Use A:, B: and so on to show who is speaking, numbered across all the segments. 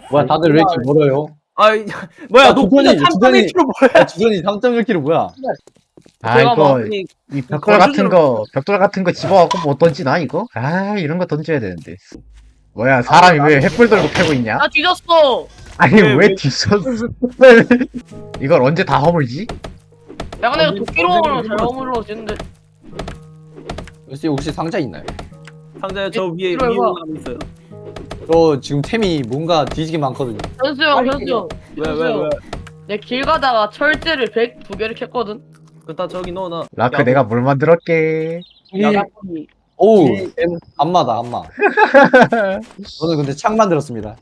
A: 뭐야 다들 왜 이렇게 멀어요?
B: 아이 뭐야 녹분자
A: 주전이
B: 3.1kg 뭐야?
A: 주전이 3.1kg 뭐야?
C: 아
B: 제가
C: 이거
B: 막이
C: 이 벽돌 같은 거 집어갖고 뭐 던지나 이거? 아 이런 거 던져야 되는데. 뭐야 사람이 왜 횃불 들고 패고 있냐?
D: 나 뒤졌어.
C: 아니
B: 왜,
C: 왜
B: 왜?
C: 뒤졌어? 이걸 언제 다 허물지?
D: 야 근데 이거 도끼로 먹으면 잘 어물러지는데.
A: 혹시 상자 있나요?
B: 상자에 저 위에
D: 이거
B: 위에
D: 이거.
B: 올라가 있어요.
A: 저 지금 템이 뭔가 뒤지게 많거든요.
D: 현수 형, 현수 형.
B: 왜?
D: 내 길 가다가 철제를 102개를 캤거든.
B: 그다 저기 넣어놔.
C: 라크 내가 뭘 만들었게?
D: 야간이.
A: 오우 안마다 안마. 저는 근데 창 만들었습니다.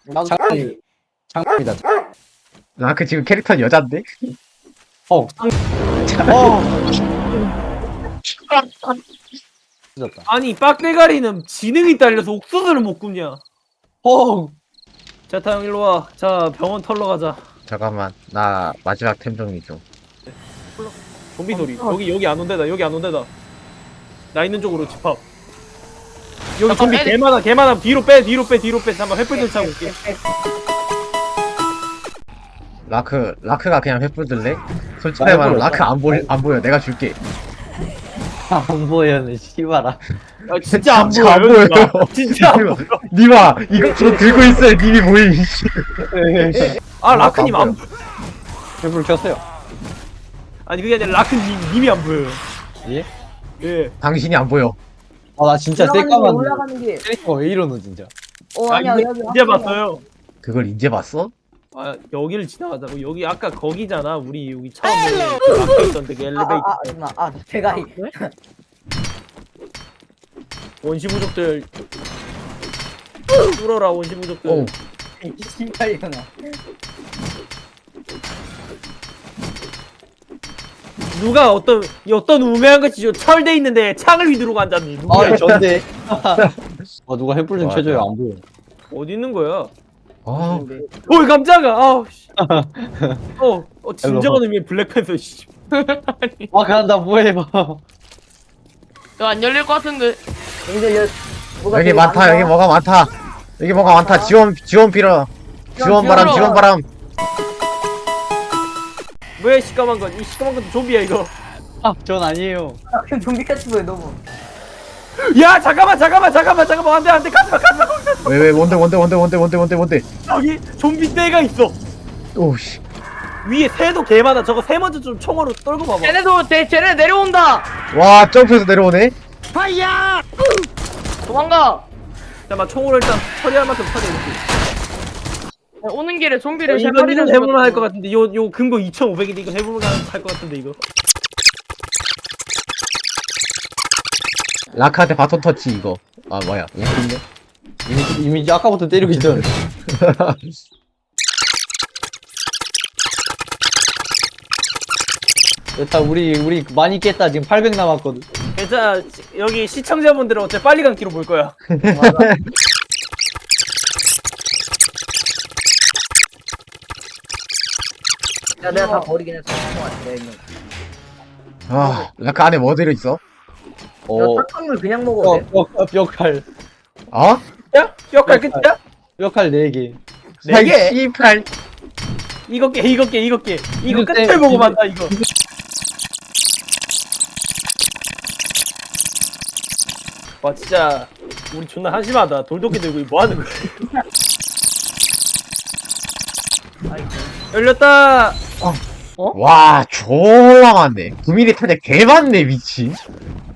A: 창입니다.
C: 라크 지금 캐릭터는 여잔데?
A: 어. 늦었다.
B: 아니 빡대가리는 지능이 딸려서 옥수수를 못 굽냐? 자 타영 일로 와. 자 병원 털러 가자.
C: 잠깐만 나 마지막 템 정리 좀.
B: 좀비 소리. 여기 안 온대다. 여기 안 온대다. 나 있는 쪽으로 집합. 여기 좀비
D: 애들-
B: 개 많아. 뒤로 빼. 잠깐 횃불 좀 차고 올게.
C: 라크가 그냥 횃불 들래? 솔직히
A: 나
C: 말하면
A: 횃불
C: 라크 안 보여 내가 줄게.
A: 안 보여는 씨발아.
B: 아, 진짜 안
C: 진짜 안
B: 보여요.
C: 보여요.
B: 누가. 진짜 안 보여.
C: 니마 이거 저 들고 있어야 님이 보임.
B: 아 라크님
C: 안
B: 안 보여.
A: 횃불 켰어요.
B: 아니 그게 아니라 라크님이 안 보여요.
A: 예?
B: 예.
C: 당신이 안 보여.
A: 나 진짜 새까만
E: 올라가는 게.
A: 캐릭터가 왜 이러노 진짜.
E: 아니야
B: 이제,
E: 여기
B: 이제 봤어요.
C: 그걸 이제 봤어?
B: 아 여기를 지나가자고. 여기 아까 거기잖아. 우리 여기 처음 라크 있던 그 엘리베이터.
E: 제가
B: 원시 부족들 뚫어라 원시 부족들.
C: 오.
E: 신발이구나.
B: 누가 어떤 우매한 것이 저 철돼 있는데 창을 휘두르고 앉았니? 누구야?
A: 전데. 누가 횃불 좀
C: 맞아.
A: 쳐줘요. 안 보여.
B: 어디 있는 거야?
C: 아
B: 어이 깜짝아. 아우 씨. 진정한 의미의 블랙팬서 씨.
A: 그냥 나 뭐해 봐.
D: 이거 안 열릴 것 같은데.
C: 여기 많다 여기 뭐가 많다. 여기 뭐가 많다. 지원 빌어. 지원 바람.
B: 왜 시꺼먼 건? 이 시꺼먼 것도 좀비야 이거.
A: 전 아니에요.
E: 그냥 좀비 같이 보여 너무.
B: 야 잠깐만 안돼 가지마
C: 왜 뭔데?
B: 여기 좀비 떼가 있어.
C: 오씨.
B: 위에 새도 개 많아. 저거 새 먼저 좀 총으로 떨고 봐봐.
D: 쟤네 내려온다.
C: 와 점프해서 내려오네.
D: 도망가.
B: 잠깐만 총으로 일단 처리할 만큼 처리해볼게.
D: 오는 길에 좀비를 세
B: 이거
D: 마리나
B: 해볼만 할 것 같은데 요 금고 2,500인데 이거 해볼만 할 것 같은데 이거.
C: 라크한테 바톤 터치 이거. 아 뭐야?
A: 이미 아까부터 때리고 있던. 됐다. 우리 많이 깼다. 지금 800 남았거든.
B: 괜찮아. 여기 시청자분들은 어째 빨리 감기로 볼 거야.
E: 야 내가 다 버리긴 했어. 내가 있는.
C: 아 라크 안에 뭐 들어있어?
E: 야 탁탕물 그냥 먹어도 돼.
A: 뼈칼.
C: 어?
B: 야? 뼈칼 끝이야?
A: 뼈칼 4개.
B: 네 개?
C: 씨팔.
B: 이거 깨. 이거
A: 이거
B: 끝을
A: 때-
B: 보고 만다 이거. 와 진짜 우리 존나 한심하다. 돌도끼 들고 뭐 하는 거야? 열렸다.
C: 와 졸라 많네. 9mm 탄약 개 많네 미친.